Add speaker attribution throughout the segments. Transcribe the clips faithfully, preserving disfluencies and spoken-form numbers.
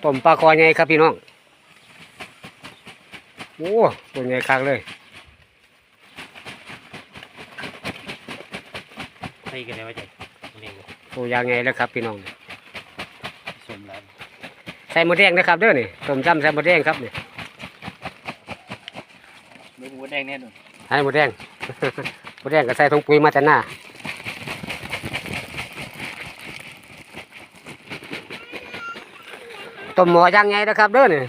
Speaker 1: ต้มปลาคอใหญ่ครับพี่น้องโอ้ตัวใหญ่คักเลย
Speaker 2: ใส่กันได้ไหมจ๊ะเลี้ยง
Speaker 1: ตัวยางไงแล้วครับพี่น้อง
Speaker 2: สมแล้ว
Speaker 1: ใส่หมดแดงนะครับเด้อนี่ต้มจำใส่หมดแดงครับนี่
Speaker 2: เนื้อหมูแดงแน่นอน
Speaker 1: ใส่หมดแดง หมดแดงก็ใส่ถุงปุ๋ยมาแต่หน้าต้มหม้อย่างไงนะครับเด้อนี่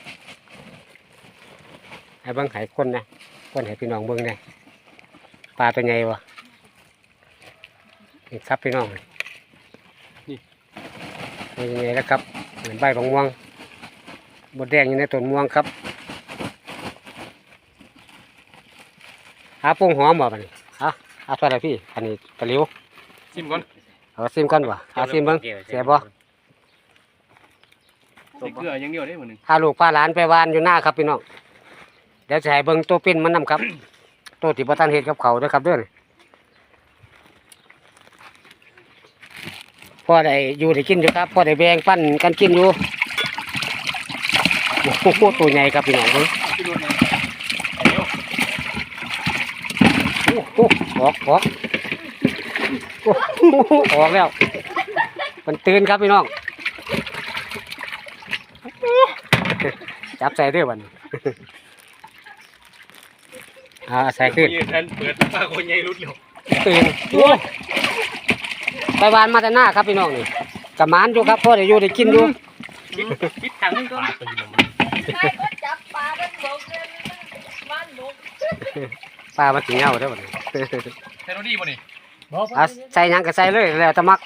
Speaker 1: ให้เบิ่งไห้คนนะคนให้พี่น้องเบิ่งนะปลาตัวใหญ่วะนี่ครับพี่น้องนี่ตัวใหญ่แล้วครับเหมือนใบบางม่วงหมดแดงอยู่ในต้นม่วงครับหาปรุงหอมบ่บัดนี้ฮะเอาเท่าไหร่พี่อันนี้ตะหลิว
Speaker 2: ชิมก่อน
Speaker 1: เอาซิมก่อนวะเอาซิมเบิ่งเสียบ่
Speaker 2: ใส่เกลืออย่างเดียวได้เหมือนหนึ่ง
Speaker 1: พาลูกพาหลานไปวานอยู่หน้าครับพี่น้องเดี๋ยวจะให้เบิ่งตัวปิ้นมันนำครับ ตัวที่บ่ทันเฮ็ดกับเขาเด้อครับเด้อพอได้อยู่ได้กินอยู่ครับพอได้แบ่งปันกันกินอยู่โอ้โหตัวใหญ่ครับพี่น้องเบิ่ง
Speaker 2: ที่รถเลยเดี๋ยว
Speaker 1: โอ้โหออกออกโอ้โหออกแล้วมันตื่นครับพี่น้องจับใส่เด้อบัดนี้ อ่าใส่ขึ้น
Speaker 2: ยืนเปิดปลาคนใหญ่รุดเร็ว
Speaker 1: ตื่นโอ้ไปวานมาแต่หน้าครับพี่น้องนี่กะหมานอยู่ครับพ่อได้อยู่ได้กินอยู่
Speaker 2: คิดทางนึงก็ปลาตัวนี้
Speaker 3: ใช่ก็จับปลาด้านบกเลยบ้านบก
Speaker 1: ปลามาถึงเงาเด้อบัดนี้
Speaker 2: ใส่รถดีป่ะนี่
Speaker 1: อ่ะใส่หยังก็ใส่เลยแล้วแต่มัก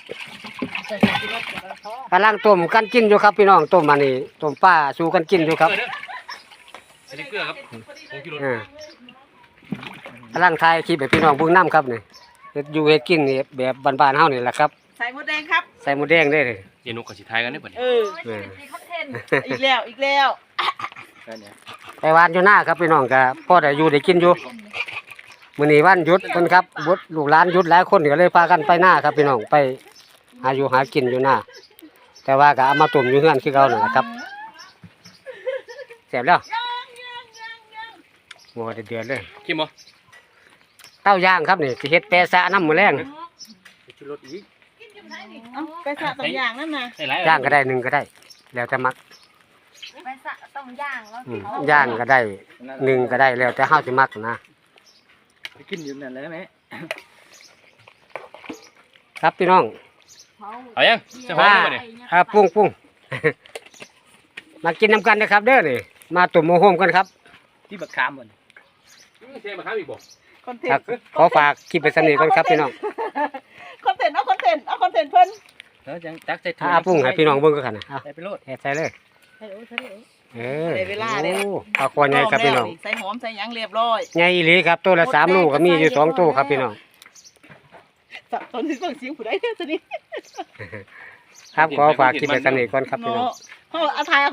Speaker 1: กำลังต้มกันกินอยู่ครับพี่น้องต้มมานี่ต้มปลาสู่กันกินอยู่ครับ
Speaker 2: ใส่เกลือครับผงกิโล
Speaker 1: อ่ากำลังถ่ายคลิปให้พี่น้องเบิ่งน้ำครับนี่เฮ็ดอยู่เฮ็ดกินนี่แบบบ้านๆเฮานี่แหละครับ
Speaker 3: ใส่หมดแดงครับ
Speaker 1: ใส่หมูแดงได้เลย
Speaker 2: เย็นนกกับสีไทยกันได้ป่ะนี่
Speaker 3: เออมีคอนเทนต์อีกแล้วอีกแล้ว
Speaker 1: ไปวานอยู่หน้าครับพี่น้องก็พ่อได้อยู่ได้กินอยู่มื้อนี้วันหยุดเพิ่นครับบุตรลูกหลานหยุดหลายคนก็เลยพากันไปหน้าครับพี่น้องไปหาอยู่หากินอยู่หน้าแต่ว่าก็เอามาต้มอยู่เฮือนคือเก่านั่นแหละครับแซ่บแล้วโอ้เดือดๆเลย
Speaker 2: คิมบ่
Speaker 1: เต้าย่างครับนี่สิเฮ็ดแปะซะน้ำมื้อแรง
Speaker 2: ชิรถอีก
Speaker 3: เอาไปสระสองอย่างนั่นนะ
Speaker 2: ใส่หลาย
Speaker 1: ย่างก็ได้หนึ่งก็ได้ แล้วแต่มัก
Speaker 3: ไปสระต้องย่างแล้ว
Speaker 1: อืมย่างก็ได้หนึ่งก็ได้แล้วแต่เฮาสิมักนะ
Speaker 2: กินอยู่นั่นเลยไหม
Speaker 1: ครับพี่น้อง
Speaker 2: เอายังจะหอมป่ะนี่
Speaker 1: ครับปุ้งปุ้ง มากินน้ำกันนะครับเด้อนี่มาตุ่มโมโหมกันครับ
Speaker 2: ที่บักขามบ่ใช่บักขามอีกบ่
Speaker 3: คอนเท
Speaker 1: ครั
Speaker 3: น
Speaker 1: บ
Speaker 3: ต์
Speaker 1: ขอฝากคลิปไปสนิทกันครับพี่น้อง
Speaker 3: คอนเทนต์เอาคอนเทนต์เอาคอนเทนต์เพิ่น
Speaker 2: แล้วจังตักใส่ถุ
Speaker 1: ถ้าปุ้งให้พี่น้องเบิ่งก็กันนะเอา
Speaker 2: ใส่ไปโลด
Speaker 1: เฮ็ดใส่เลย
Speaker 3: ใส่โอ้ใส่โอ้
Speaker 1: เออ
Speaker 3: ได้เวลาแล้ว
Speaker 1: โอ้ปลาคอใหญ่ครับพี่น้อง
Speaker 3: ใส่หอมใส่หยังเรียบร้อย
Speaker 1: ใหญ่อีหลีครับตัวละสามลูกก็มีอยู่สองตัวครับพี่น้อง
Speaker 3: สับตอนนี้ต้องเสียงผู้ใดเนี่ยตอนนี้
Speaker 1: ครับขอฝากคลิปไปสนิทกันครับพี่น้อง
Speaker 3: เนาะเฮาเอาทาย